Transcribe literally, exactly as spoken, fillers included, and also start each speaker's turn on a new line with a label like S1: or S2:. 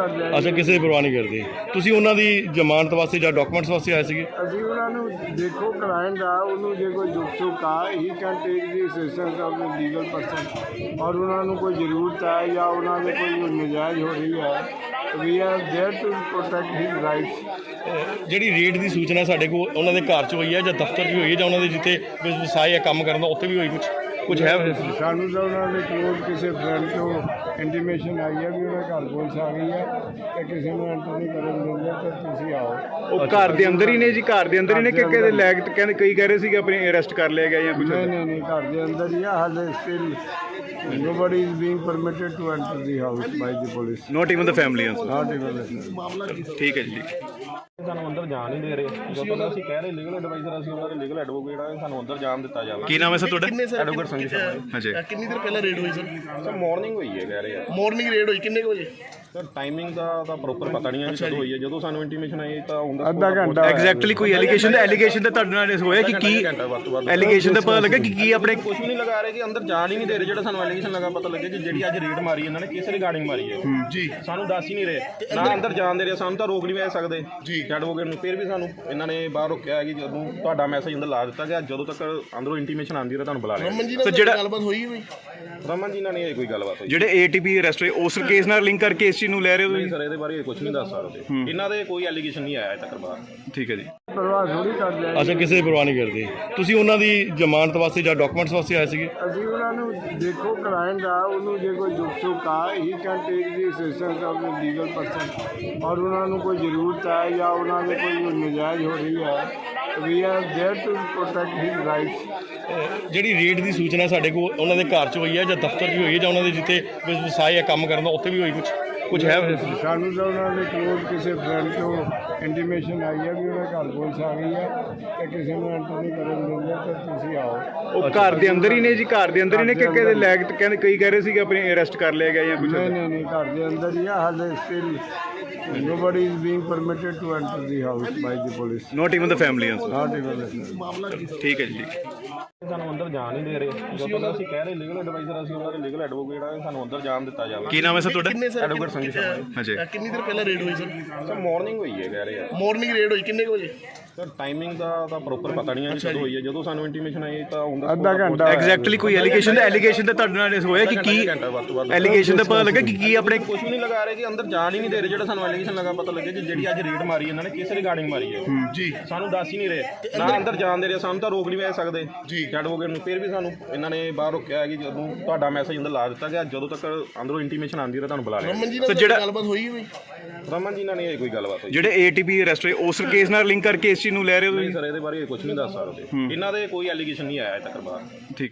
S1: ਕਰਦੇ ਆ।
S2: ਅੱਛਾ, ਕਿਸੇ ਦੀ ਪਰਵਾਹ ਨਹੀਂ ਕਰਦੇ ਤੁਸੀਂ ਉਹਨਾਂ ਦੀ ਜ਼ਮਾਨਤ ਵਾਸਤੇ ਜਾਂ ਡਾਕੂਮੈਂਟਸ ਵਾਸਤੇ ਆਏ ਸੀਗੇ?
S1: ਅਸੀਂ ਉਹਨਾਂ ਨੂੰ ਦੇਖੋ ਕਲਾਇੰਟ ਆ, ਉਹਨੂੰ ਜੇ ਕੋਈ ਦੁੱਖ ਸੁੱਖ ਆ he can take the assistance of the legal person, ਔਰ ਉਹਨਾਂ ਨੂੰ ਕੋਈ ਜ਼ਰੂਰਤ ਹੈ ਜਾਂ ਉਹਨਾਂ ਦੇ ਕੋਈ ਨਜਾਇਜ਼ ਹੋ ਰਹੀ ਹੈ, we are there to protect his rights.
S2: ਜਿਹੜੀ ਰੇਡ ਦੀ ਸੂਚਨਾ ਸਾਡੇ ਕੋਲ ਉਹਨਾਂ ਦੇ ਘਰ 'ਚ ਹੋਈ ਹੈ ਜਾਂ ਦਫ਼ਤਰ 'ਚ ਹੋਈ ਹੈ ਜਾਂ ਉਹਨਾਂ ਦੇ ਜਿੱਥੇ ਵਿਵਸਾਏ ਆ ਕੰਮ ਕਰਨ ਦਾ ਉੱਥੇ ਵੀ ਹੋਈ ਕੁਝ ਕੁਝ ਹੈ?
S1: ਸਾਨੂੰ ਤਾਂ ਉਹਨਾਂ ਦੇ ਕੋਲ ਕਿਸੇ ਫਰੈਂਡ ਤੋਂ ਇੰਟੀਮੇਸ਼ਨ ਆਈ ਹੈ ਵੀ ਉਹਨਾਂ ਘਰ ਪੁਲਿਸ ਆ ਗਈ ਹੈ ਤੇ ਕਿਸੇ ਨੂੰ ਐਂਟਰ ਨਹੀਂ ਕਰਨ ਦਿੰਦੇ, ਤਾਂ ਤੁਸੀਂ ਆਓ।
S3: ਉਹ ਘਰ ਦੇ ਅੰਦਰ ਹੀ ਨੇ ਜੀ, ਘਰ ਦੇ ਅੰਦਰ ਹੀ ਨੇ ਕਿ ਕਿਹਦੇ ਲੈਗ ਕਹਿੰਦੇ ਕਈ ਕਹਿ ਰਹੇ ਸੀ ਕਿ ਆਪਣੇ ਅਰੈਸਟ ਕਰ ਲਿਆ ਗਿਆ ਜਾਂ ਕੁਝ?
S1: ਨਹੀਂ ਨਹੀਂ ਨਹੀਂ, ਘਰ ਦੇ ਅੰਦਰ ਹੀ ਆ ਹਾਲੇ। Still nobody is being permitted to enter the house by the police.
S3: Not even the family answer.
S1: Not even the
S3: ਠੀਕ ਹੈ ਜੀ।
S4: ਸਾਨੂੰ ਅੰਦਰ ਜਾਣ ਨਹੀਂ ਦੇ ਰਹੇ, ਜਦੋਂ ਤੱਕ ਅਸੀਂ ਕਹਿ ਰਹੇ ਲੀਗਲ ਐਡਵਾਈਜ਼ਰ, ਅਸੀਂ ਉਹਨਾਂ ਦੇ ਲੀਗਲ ਐਡਵੋਕੇਟ ਆ, ਸਾਨੂੰ ਅੰਦਰ ਜਾਣ ਦਿੱਤਾ ਜਾਵੇ।
S3: ਕੀ ਨਾਮ ਹੈ ਸਰ ਤੁਹਾਡਾ?
S4: ਐਡਵੋਕੇਟ ਸੰਜੀਵ ਸ਼ਰਮਾ।
S3: ਹਾਂਜੀ।
S5: ਕਿੰਨੀ ਦੇਰ ਪਹਿਲਾਂ ਰੇਡ ਹੋਈ ਸਰ?
S4: ਸਰ ਮਾਰਨਿੰਗ ਹੋਈ ਹੈ ਕਹਿ ਰਹੇ ਆ।
S5: ਮਾਰਨਿੰਗ ਰੇਡ ਹੋਈ ਕਿੰਨੇ ਕੁ ਵਜੇ?
S4: ਸਰ ਟਾਈਮਿੰਗ ਦਾ ਤਾਂ ਪ੍ਰੋਪਰ ਪਤਾ ਨਹੀਂ ਹੈ ਕਿ ਕਦੋਂ ਹੋਈ ਹੈ। ਜਦੋਂ ਸਾਨੂੰ ਇੰਟੀਮੇਸ਼ਨ ਆਈ ਤਾਂ ਹੁੰਦਾ
S1: ਅੱਧਾ ਘੰਟਾ
S3: ਐਗਜ਼ੈਕਟਲੀ ਕੋਈ ਐਲੀਗੇਸ਼ਨ ਦਾ ਐਲੀਗੇਸ਼ਨ ਦਾ ਤੁਹਾਡੇ ਨਾਲ ਹੋਇਆ ਕਿ ਕੀ ਐਲੀਗੇਸ਼ਨ ਦਾ ਪਤਾ ਲੱਗਾ ਕਿ ਕੀ ਆਪਣੇ
S4: ਕੁਝ ਵੀ ਨਹੀਂ ਲਗਾ ਰਹੇ ਕਿ ਅੰਦਰ ਜਾਣ ਹੀ ਨਹੀਂ ਦੇ ਰਹੇ। ਜਿਹੜਾ ਸਾਨੂੰ ਐਲੀਗੇਸ਼ਨ ਲਗਾ ਪਤਾ ਲੱਗਿਆ ਕਿ ਜਿਹੜੀ ਅੱਜ ਰੇਡ ਮਾਰੀ ਇਹਨਾਂ ਨੇ ਕਿਸ ਰਿਗਾਰਡਿੰਗ ਮਾਰੀ ਹੈ ਜੀ, ਸਾਨੂੰ ਦੱਸ ਹੀ ਨਹੀਂ ਰਹੇ, ਨਾ ਅੰਦਰ ਜਾਣ ਦੇ ਰਹੇ। ਸਾਨੂੰ ਤਾਂ ਰੋਕ ਨਹੀਂ ਪੈ ਸਕਦੇ ਜੀ ਐਡਵੋਕੇਟ ਨੂੰ, ਫਿਰ ਵੀ ਸਾਨੂੰ ਇਹਨਾਂ ਨੇ ਬਾਹਰ ਰੋਕਿਆ ਹੈ ਕਿ ਜਦੋਂ ਤੁਹਾਡਾ ਮੈਸੇਜ ਅੰਦਰ ਲਾ ਦਿੱਤਾ ਗਿਆ, ਜਦੋਂ ਤੱਕ ਅੰਦਰੋਂ ਇੰਟੀਮੇਸ਼ਨ ਆਉਂਦੀ ਰਹੇ ਤੁਹਾਨੂੰ ਬੁਲਾ ਲਿਆ।
S5: ਰਮਨ ਜੀ ਨਾਲ ਜਿਹੜਾ ਗੱਲਬਾਤ ਹੋਈ ਹੋਈ?
S4: ਰਮਨ ਜੀ ਨਾਲ ਨਹੀਂ ਕੋਈ ਗੱਲਬਾਤ ਹੋਈ।
S3: ਜਿਹੜੇ ਏਟੀਪੀ ਅਰੈਸਟ ਹੋਏ ਉਸ ਕੇਸ ਨਾਲ ਲਿੰਕ ਕਰਕੇ ਇਸ ਚੀਜ਼ ਨੂੰ ਲੈ ਰਹੇ ਹੋ
S4: ਨਹੀਂ
S3: ਤੁਸੀਂ?
S4: ਸਰ, ਇਹਦੇ ਬਾਰੇ ਕੁਝ ਨਹੀਂ ਦੱਸ ਸਕਦੇ। ਇਹਨਾਂ ਦੇ ਕੋਈ ਐਲੀਗੇਸ਼ਨ ਨਹੀਂ ਆਇਆ ਅਜੇ ਤੱਕ ਬਾਹਰ।
S3: ਠੀਕ ਹੈ ਜੀ।
S1: ਪਰਵਾਹ ਥੋੜੀ ਕਰਦੇ ਆ।
S2: ਅੱਛਾ, ਕਿਸੇ ਦੀ ਪਰਵਾਹ ਨਹੀਂ ਕਰਦੇ ਤੁਸੀਂ ਉਹਨਾਂ ਦੀ ਜ਼ਮਾਨਤ ਵਾਸਤੇ ਜਾਂ ਡਾਕੂਮੈਂਟਸ ਵਾਸਤੇ ਆਏ ਸੀਗੇ?
S1: ਅਸੀਂ ਉਹਨਾਂ ਨੂੰ ਦੇਖੋ ਕਲਾਇੰਟ ਆ, ਉਹਨੂੰ ਜੇ ਕੋਈ ਦੁੱਖ ਸੁੱਖ ਆ he can take the assistance of the legal person, ਔਰ ਉਹਨਾਂ ਨੂੰ ਕੋਈ ਜ਼ਰੂਰਤ ਹੈ ਜਾਂ ਉਹਨਾਂ ਦੇ ਕੋਈ ਨਜਾਇਜ਼ ਹੋ ਰਹੀ ਹੈ, we are there to protect his rights.
S2: ਜਿਹੜੀ ਰੇਡ ਦੀ ਸੂਚਨਾ ਸਾਡੇ ਕੋਲ ਉਹਨਾਂ ਦੇ ਘਰ 'ਚ ਹੋਈ ਹੈ ਜਾਂ ਦਫ਼ਤਰ 'ਚ ਹੋਈ ਹੈ ਜਾਂ ਉਹਨਾਂ ਦੇ ਜਿੱਥੇ ਵਿਵਸਾਏ ਆ ਕੰਮ ਕਰਨ ਦਾ ਉੱਥੇ ਵੀ ਹੋਈ ਕੁਝ ਕੁਝ ਹੈ?
S1: ਸਾਨੂੰ ਤਾਂ ਉਹਨਾਂ ਦੇ ਕੋਲ ਕਿਸੇ ਫਰੈਂਡ ਤੋਂ ਇੰਟੀਮੇਸ਼ਨ ਆਈ ਹੈ ਵੀ ਉਹਨਾਂ ਘਰ ਪੁਲਿਸ ਆ ਗਈ ਹੈ ਤੇ ਕਿਸੇ ਨੂੰ ਐਂਟਰ ਨਹੀਂ ਕਰਨ ਦਿੰਦੇ, ਤਾਂ ਤੁਸੀਂ ਆਓ।
S3: ਉਹ ਘਰ ਦੇ ਅੰਦਰ ਹੀ ਨੇ ਜੀ, ਘਰ ਦੇ ਅੰਦਰ ਹੀ ਨੇ ਕਿ ਕਿਹਦੇ ਲੈਗ ਕਹਿੰਦੇ ਕਈ ਕਹਿ ਰਹੇ ਸੀ ਕਿ ਆਪਣੇ ਅਰੈਸਟ ਕਰ ਲਿਆ ਗਿਆ ਜਾਂ ਕੁਝ?
S1: ਨਹੀਂ ਨਹੀਂ ਨਹੀਂ, ਘਰ ਦੇ ਅੰਦਰ ਹੀ ਆ ਹਾਲੇ। Still nobody is being permitted to enter the house by the police.
S3: Not even the family answer.
S1: Not even the
S3: ਠੀਕ ਹੈ ਜੀ।
S4: ਸਾਨੂੰ ਅੰਦਰ ਜਾਣ ਨਹੀਂ ਦੇ ਰਹੇ, ਜਦੋਂ ਤੱਕ ਅਸੀਂ ਕਹਿ ਰਹੇ ਲੀਗਲ ਐਡਵਾਈਜ਼ਰ, ਅਸੀਂ ਉਹਨਾਂ ਦੇ ਲੀਗਲ ਐਡਵੋਕੇਟ ਆ, ਸਾਨੂੰ ਅੰਦਰ ਜਾਣ ਦਿੱਤਾ ਜਾਵੇ।
S3: ਕੀ ਨਾਮ ਹੈ ਸਰ ਤੁਹਾਡਾ?
S5: ਕਿੰਨੇ ਸਰ?
S4: ਐਡਵੋਕੇਟ ਸੰਜੀਵ ਸ਼ਰਮਾ।
S3: ਹਾਂਜੀ।
S5: ਕਿੰਨੀ ਦੇਰ ਪਹਿਲਾਂ ਰੇਡ ਹੋਈ ਸਰ?
S4: ਸਰ ਮਾਰਨਿੰਗ ਹੋਈ ਹੈ ਕਹਿ ਰਹੇ ਆ।
S5: ਮਾਰਨਿੰਗ ਰੇਡ ਹੋਈ ਕਿੰਨੇ ਕੁ ਵਜੇ?
S4: ਸਰ ਟਾਈਮਿੰਗ ਦਾ ਤਾਂ ਪ੍ਰੋਪਰ ਪਤਾ ਨਹੀਂ ਹੈ ਕਿ ਕਦੋਂ ਹੋਈ ਹੈ। ਜਦੋਂ ਸਾਨੂੰ ਇੰਟੀਮੇਸ਼ਨ ਆਈ ਤਾਂ ਹੁੰਦਾ
S1: ਅੱਧਾ ਘੰਟਾ
S3: ਐਗਜ਼ੈਕਟਲੀ ਕੋਈ ਐਲੀਗੇਸ਼ਨ ਦਾ ਐਲੀਗੇਸ਼ਨ ਦਾ ਤੁਹਾਡੇ ਨਾਲ ਹੋਇਆ ਕਿ ਕੀ ਐਲੀਗੇਸ਼ਨ ਦਾ ਪਤਾ ਲੱਗਾ ਕਿ ਕੀ ਆਪਣੇ
S4: ਕੁਝ ਵੀ ਨਹੀਂ ਲਗਾ ਰਹੇ ਕਿ ਅੰਦਰ ਜਾਣ ਹੀ ਨਹੀਂ ਦੇ ਰਹੇ। ਜਿਹੜਾ ਸਾਨੂੰ ਐਲੀਗੇਸ਼ਨ ਲਗਾ ਪਤਾ ਲੱਗਿਆ ਕਿ ਜਿਹੜੀ ਅੱਜ ਰੇਡ ਮਾਰੀ ਇਹਨਾਂ ਨੇ ਕਿਸ ਰਿਗਾਰਡਿੰਗ ਮਾਰੀ ਹੈ ਜੀ, ਸਾਨੂੰ ਦੱਸ ਹੀ ਨਹੀਂ ਰਹੇ, ਨਾ ਅੰਦਰ ਜਾਣ ਦੇ ਰਹੇ। ਸਾਨੂੰ ਤਾਂ ਰੋਕ ਨਹੀਂ ਪੈ ਸਕਦੇ ਜੀ ਐਡਵੋਕੇਟ ਨੂੰ, ਫਿਰ ਵੀ ਸਾਨੂੰ ਇਹਨਾਂ ਨੇ ਬਾਹਰ ਰੋਕਿਆ ਹੈ ਕਿ ਜਦੋਂ ਤੁਹਾਡਾ ਮੈਸੇਜ ਅੰਦਰ ਲਾ ਦਿੱਤਾ ਗਿਆ, ਜਦੋਂ ਤੱਕ ਅੰਦਰੋਂ ਇੰਟੀਮੇਸ਼ਨ ਆਉਂਦੀ ਰਹੇ ਤੁਹਾਨੂੰ ਬੁਲਾ ਲਿਆ।
S5: ਰਮਨ ਜੀ ਨਾਲ
S3: ਜਿਹੜਾ
S5: ਗੱਲਬਾਤ ਹੋਈ ਹੋਈ?
S4: ਰਮਨ ਜੀ ਨਾਲ ਨਹੀਂ ਕੋਈ ਗੱਲਬਾਤ ਹੋਈ।
S3: ਜਿਹੜੇ ਏਟੀਪੀ ਅਰੈਸਟ ਹੋਏ ਉਸ ਕੇਸ ਨਾਲ ਲਿੰਕ ਕਰਕੇ ਇਸ ਚੀਜ਼ ਨੂੰ ਲੈ ਰਹੇ ਹੋ
S4: ਨਹੀਂ
S3: ਤੁਸੀਂ?
S4: ਸਰ, ਇਹਦੇ ਬਾਰੇ ਕੁਝ ਨਹੀਂ ਦੱਸ ਸਕਦੇ। ਇਹਨਾਂ ਦੇ ਕੋਈ ਐਲੀਗੇਸ਼ਨ ਨਹੀਂ ਆਇਆ ਅਜੇ ਤੱਕ ਬਾਹਰ।
S3: ਠੀਕ।